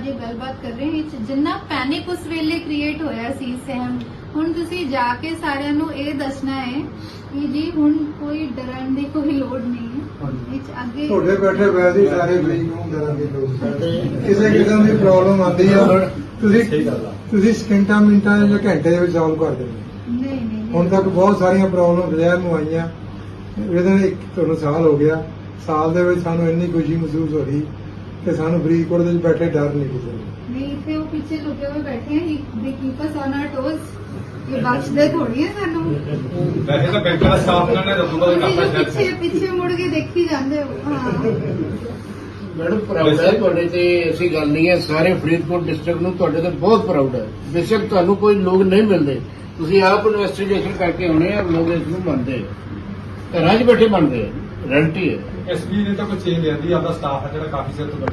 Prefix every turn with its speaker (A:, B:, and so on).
A: ਸਾਰੀ ਗੱਲਬਾਤ ਕਰ ਰਹੇ ਹਾਂ ਜਿੰਨਾ ਪੈਨਿਕ ਉਸ ਵੇਲੇ ਕ੍ਰੀਏਟ ਹੋਇਆ ਸੀ ਸਹਿਮ, ਹੁਣ ਤੁਸੀਂ ਜਾ ਕੇ ਸਾਰਿਆਂ ਨੂੰ ਇਹ ਦੱਸਣਾ ਹੈ ਕਿ ਜੀ ਹੁਣ ਕੋਈ ਡਰਨ ਦੀ ਕੋਈ ਲੋੜ ਨਹੀਂ ਹੈ। ਵਿੱਚ ਅੱਗੇ
B: ਤੁਹਾਡੇ ਬੈਠੇ ਵੈਸੇ ਹੀ ਸਾਰੇ ਮਰੀਜ਼ ਨੂੰ ਡਰਨ ਦੀ ਲੋੜ ਨਹੀਂ। ਕਿਸੇ ਕਿਸਮ ਦੀ ਪ੍ਰੋਬਲਮ ਆਉਂਦੀ ਆ ਤੁਸੀਂ ਸਕਿੰਟਾਂ ਮਿੰਟਾਂ ਜਾਂ ਘੰਟੇ ਦੇ ਵਿੱਚ ਸੋਲਵ ਕਰ ਦਿੰਦੇ।
A: ਨਹੀਂ
B: ਹੁਣ ਤੱਕ ਬਹੁਤ ਸਾਰੀਆਂ ਪ੍ਰੋਬਲਮ ਜ਼ਹਿਰ ਨੂੰ ਆਈਆਂ, ਇਹਦੇ ਤੁਹਾਨੂੰ ਸਾਲ ਹੋ ਗਿਆ, ਸਾਲ ਦੇ ਵਿੱਚ ਸਾਨੂੰ ਇੰਨੀ ਖੁਸ਼ੀ ਮਹਿਸੂਸ ਹੋ ਰਹੀ ਕਿ ਸਾਨੂੰ ਫਰੀਦਕੋਟ ਦੇ ਵਿੱਚ ਬੈਠੇ ਡਰ ਨਹੀਂ ਕਿਸੇ ਨੂੰ।
A: ਨਹੀਂ ਇੱਥੇ ਉਹ ਪਿੱਛੇ ਲੁਕੇ ਹੋਏ ਬੈਠੇ ਆ, ਦੇ keep us on our toes, ਇਹ ਬਖਸ਼ਦੇ ਥੋੜੀ ਹੈ ਸਾਨੂੰ।
C: ਵੈਸੇ ਤਾਂ ਬੈਂਕ ਦਾ ਸਟਾਫ ਨਾਲ ਨੇ ਦੱਸੂਗਾ ਕਿ
A: ਤੁਸੀਂ
C: ਆਪਾਂ
A: ਪਿੱਛੇ ਪਿੱਛੇ ਮੁੜ ਕੇ ਦੇਖੀ ਜਾਂਦੇ ਹੋ। ਹਾਂ
D: ਮੈਡਮ ਪ੍ਰਾਊਡ ਹੈ ਤੁਹਾਡੇ ਤੇ, ਐਸੀ ਗੱਲ ਨਹੀਂ ਹੈ। ਸਾਰੇ ਫਰੀਦਕੋਟ ਡਿਸਟ੍ਰਿਕਟ ਨੂੰ ਤੁਹਾਡੇ ਤੇ ਬਹੁਤ ਪ੍ਰਾਊਡ ਹੈ। ਬੇਸ਼ੱਕ ਤੁਹਾਨੂੰ ਕੋਈ ਲੋਕ ਨਹੀਂ ਮਿਲਦੇ, ਤੁਸੀਂ ਆਪ ਇਨਵੈਸਟੀਗੇਸ਼ਨ ਕਰਕੇ ਆਉਣੇ ਆ, ਲੋਕ ਇਸ ਨੂੰ ਮੰਨਦੇ ਆ, ਘਰਾਂ 'ਚ ਬੈਠੇ ਮੰਨਦੇ ਆ, ਰੈਂਟੀ ਹੈ।
C: ਐਸਪੀ ਨੇ ਤਾਂ ਕੋਈ ਚੇਂਜ ਲਿਆਂਦੀ, ਆਪਦਾ ਸਟਾਫ ਹੈ ਜਿਹੜਾ ਕਾਫੀ ਸਿਰ ਤੋਂ